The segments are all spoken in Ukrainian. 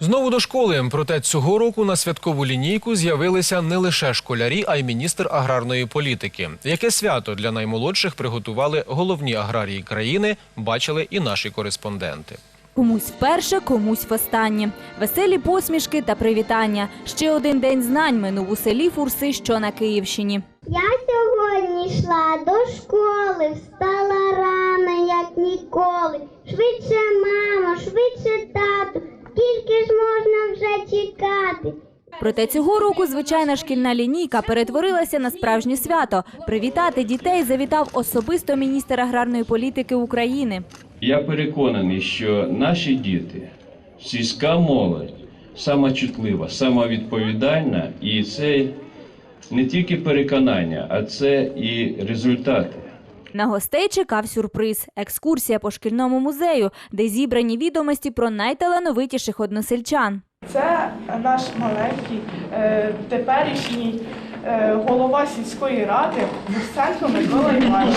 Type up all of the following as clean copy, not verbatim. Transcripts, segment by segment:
Знову до школи. Проте цього року на святкову лінійку з'явилися не лише школярі, а й міністр аграрної політики. Яке свято для наймолодших приготували головні аграрії країни, бачили і наші кореспонденти. Комусь вперше, комусь востаннє. Веселі посмішки та привітання. Ще один день знань минув у селі Фурси, що на Київщині. Я сьогодні йшла до школи, встала рано, як ніколи. Швидше, мамо, швидше, тату, скільки ж можна вже чекати? Проте цього року звичайна шкільна лінійка перетворилася на справжнє свято. Привітати дітей завітав особисто міністр аграрної політики України. Я переконаний, що наші діти, сільська молодь, сама чутлива, сама відповідальна, і це не тільки переконання, а це і результати. На гостей чекав сюрприз – екскурсія по шкільному музею, де зібрані відомості про найталановитіших односельчан. Це наш маленький, теперішній голова сільської ради Бурсенко Микола Іванович.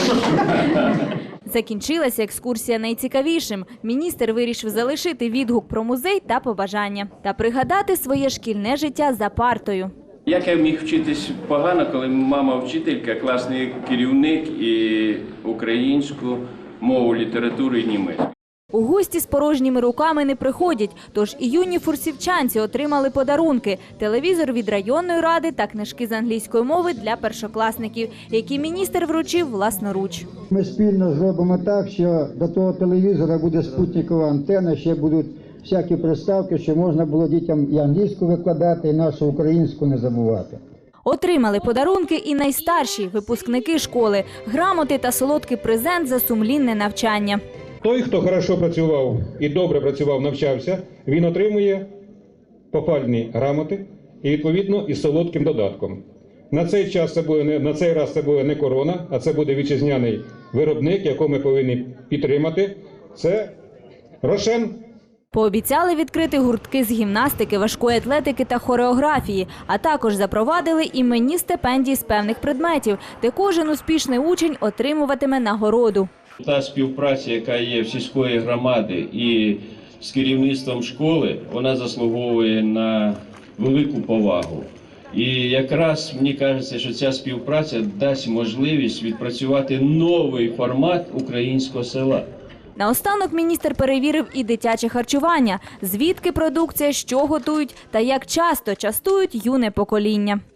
Закінчилася екскурсія найцікавішим. Міністр вирішив залишити відгук про музей та побажання. Та пригадати своє шкільне життя за партою. Як я міг вчитись погано, коли мама вчителька, класний керівник і українську мову, літературу і німецьку. У гості з порожніми руками не приходять, тож і юні фурсівчанці отримали подарунки – телевізор від районної ради та книжки з англійської мови для першокласників, які міністр вручив власноруч. Ми спільно зробимо так, що до того телевізора буде спутникова антенна, ще будуть всякі приставки, що можна було дітям і англійську викладати, і нашу українську не забувати. Отримали подарунки і найстарші – випускники школи, грамоти та солодкий презент за сумлінне навчання. Той, хто хорошо працював і добре працював, навчався, він отримує похвальні грамоти і, відповідно, із солодким додатком. На цей раз це буде не корона, а це буде вітчизняний виробник, якого ми повинні підтримати. Це Рошен. Пообіцяли відкрити гуртки з гімнастики, важкої атлетики та хореографії, а також запровадили іменні стипендії з певних предметів, де кожен успішний учень отримуватиме нагороду. Та співпраця, яка є в сільської громади і з керівництвом школи, вона заслуговує на велику повагу. І якраз мені кажеться, що ця співпраця дасть можливість відпрацювати новий формат українського села. Наостанок міністр перевірив і дитяче харчування, звідки продукція, що готують та як часто частують юне покоління.